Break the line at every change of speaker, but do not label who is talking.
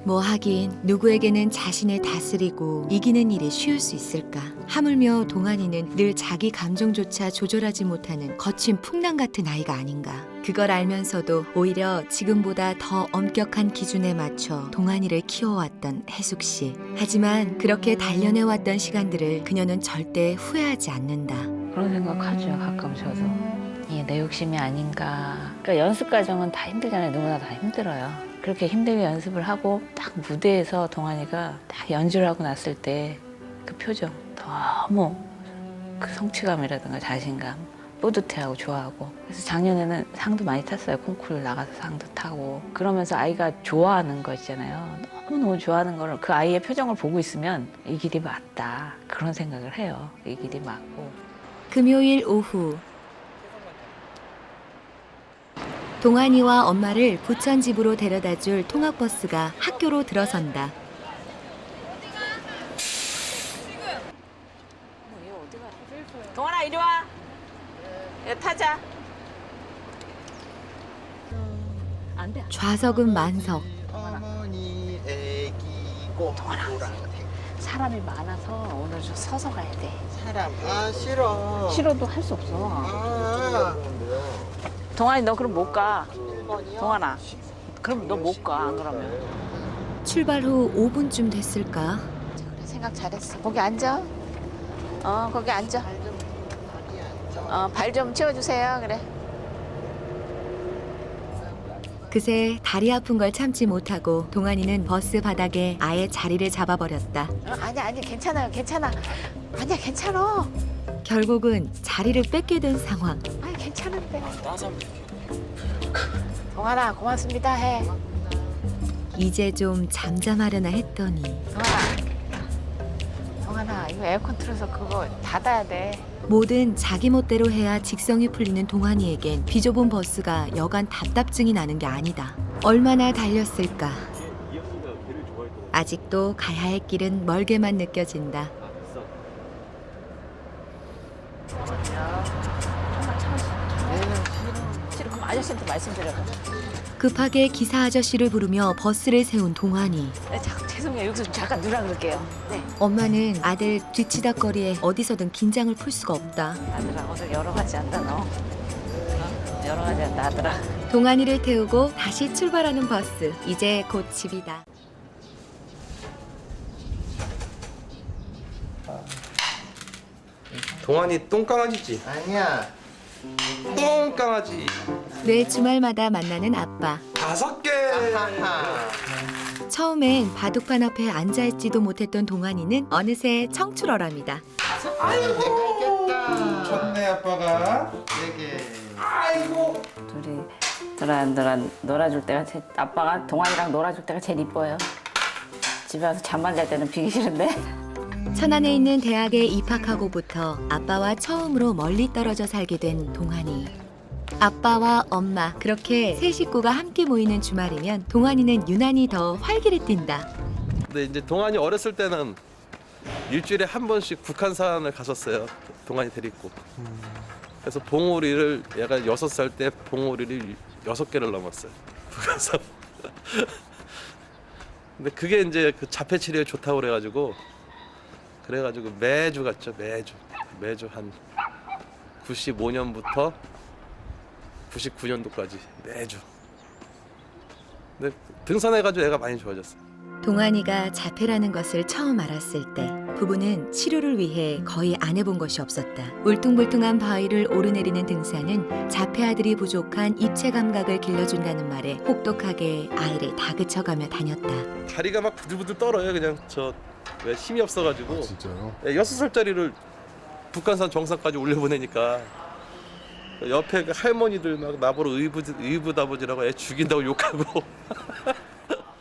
뭐 하긴 누구에게는 자신을 다스리고 이기는 일이 쉬울 수 있을까. 하물며 동안이는 늘 자기 감정조차 조절하지 못하는 거친 풍랑 같은 아이가 아닌가. 그걸 알면서도 오히려 지금보다 더 엄격한 기준에 맞춰 동안이를 키워왔던 혜숙 씨. 하지만 그렇게 단련해왔던 시간들을 그녀는 절대 후회하지 않는다.
그런 생각하죠. 가끔 저도. 이게 내 욕심이 아닌가. 그러니까 연습 과정은 다 힘들잖아요. 누구나 다 힘들어요. 그렇게 힘들게 연습을 하고 딱 무대에서 동안이가 딱 연주를 하고 났을 때 그 표정 너무 그 성취감이라든가 자신감 뿌듯해하고 좋아하고. 그래서 작년에는 상도 많이 탔어요. 콩쿠르 나가서 상도 타고. 그러면서 아이가 좋아하는 거 있잖아요. 너무너무 좋아하는 거를 그 아이의 표정을 보고 있으면 이 길이 맞다. 그런 생각을 해요. 이 길이 맞고.
금요일 오후 동안이와 엄마를 부천 집으로 데려다줄 통학버스가 학교로 들어선다.
동환아 이리 와. 이거 타자. 안 돼.
좌석은 만석.
어머니 애기 꼬
사람이 많아서 오늘 좀 서서 가야 돼.
사람 싫어
싫어도 할 수 없어.
아
동환이 너 그럼 못 가.
1번이요?
동환아. 그럼 너 못 가. 안 그러면.
출발 후 5분쯤 됐을까?
그래, 생각 잘했어. 거기 앉아. 거기 앉아. 발 좀 치워주세요. 그래.
그새 다리 아픈 걸 참지 못하고 동안이는 버스 바닥에 아예 자리를 잡아버렸다.
아니야 괜찮아요. 괜찮아. 아니야 괜찮아.
결국은 자리를 뺏게 된 상황.
아니 괜찮은데. 동환아 고맙습니다 해.
이제 좀 잠잠하려나 했더니
동환아 이거 에어컨 틀어서 그거 닫아야 돼.
뭐든 자기 멋대로 해야 직성이 풀리는 동안이에겐 비좁은 버스가 여간 답답증이 나는 게 아니다. 얼마나 달렸을까? 아직도 가야 할 길은 멀게만 느껴진다.
싫어. 그럼 아저씨한테 말씀드려봐.
급하게 기사 아저씨를 부르며 버스를 세운 동안이.
네, 죄송해요. 여기서 좀 잠깐 누라 그럴게요. 네.
엄마는 아들 뒤치다거리에 어디서든 긴장을 풀 수가 없다.
아들아 오늘 여러 가지 한다 너. 여러 가지 한다 아들아.
동안이를 태우고 다시 출발하는 버스. 이제 곧 집이다.
동안이 똥강아지지?
아니야
똥강아지
매 주말마다 만나는 아빠.
5개.
하하
처음엔 바둑판 앞에 앉아있지도 못했던 동안이는 어느새 청출어랍니다.
아이고 있겠다
좋네 아빠가.
4개
아이고.
둘이 두란두란 놀아줄 때가 아빠가 동안이랑 놀아줄 때가 제일 이뻐요. 집에 와서 잠만 잘 때는 비기 싫은데.
천안에 있는 대학에 입학하고부터 아빠와 처음으로 멀리 떨어져 살게 된 동안이. 아빠와 엄마 그렇게 세 식구가 함께 모이는 주말이면 동안이는 유난히 더 활기를 띈다.
근데 이제 동안이 어렸을 때는 일주일에 한 번씩 북한산을 갔었어요. 동안이 데리고. 그래서 봉우리를 얘가 6살 때 봉우리를 6개를 넘었어요. 북한산. 근데 그게 이제 그 자폐 치료에 좋다고 그래가지고 매주 갔죠. 매주 한 95년부터 99년도까지 매주. 근데 등산해가지고 애가 많이 좋아졌어요.
동안이가 자폐라는 것을 처음 알았을 때 부부는 치료를 위해 거의 안 해본 것이 없었다. 울퉁불퉁한 바위를 오르내리는 등산은 자폐 아들이 부족한 입체 감각을 길러준다는 말에 혹독하게 아이를 다그쳐가며 다녔다.
다리가 막 부들부들 떨어요. 그냥 왜 힘이 없어가지고.
진짜요?
6살짜리를 북한산 정상까지 올려보내니까 옆에 그 할머니들 막 나보러 의붓아버지라고 애 죽인다고 욕하고